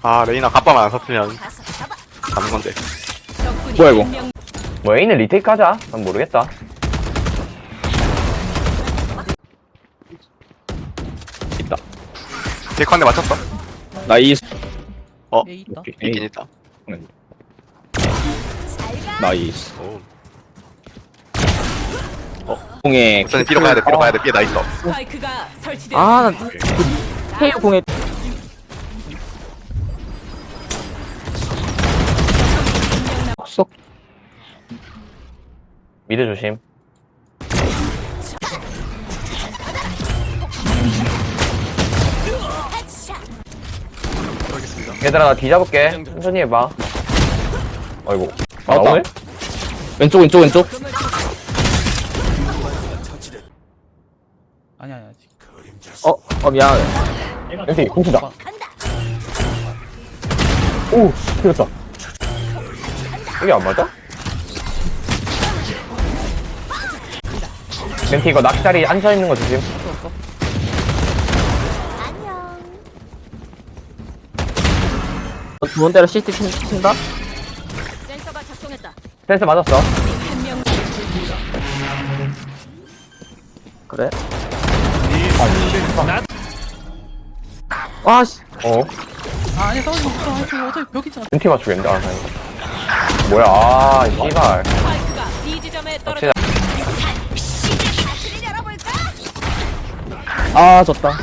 아 레이나 갑바만 안 섰으면 잡는 건데. 뭐야 이거? 뭐 A는 리테이크 하자. 난 모르겠다. 있다. 데컨데 맞췄어. 나이스. A 있다. 있긴 있다. 나이스. 오. 공에 우선 뒤로 가야 돼. 뒤로 가야 돼. 뒤에 나 있어. 스파이크가 설치되었습니다. 아, 나 헤이오 공에 쏙. 미드 조심. 얘들아 나 뒤잡을게. 천천히 해봐. 아이고. 아 나왔다. 오늘? 왼쪽. 아니야 아직. 미안하네. enti 공수다. 오 틀렸다. 이게 안 맞아? 멘티 이거 낚시다리 앉아있는 거 조심. 좋은 대로 CT 친다. 센서가 작동했다. 센스 맞았어. 한명 그래. 아 씨. 아니 싸우지 마. 저 어차피 벽이잖아. 멘티 맞추겠는데? 아 다행이다. 뭐야 아 씨발. 스파이크가 B 지점에 떨어져. 낚시다. 아 졌다.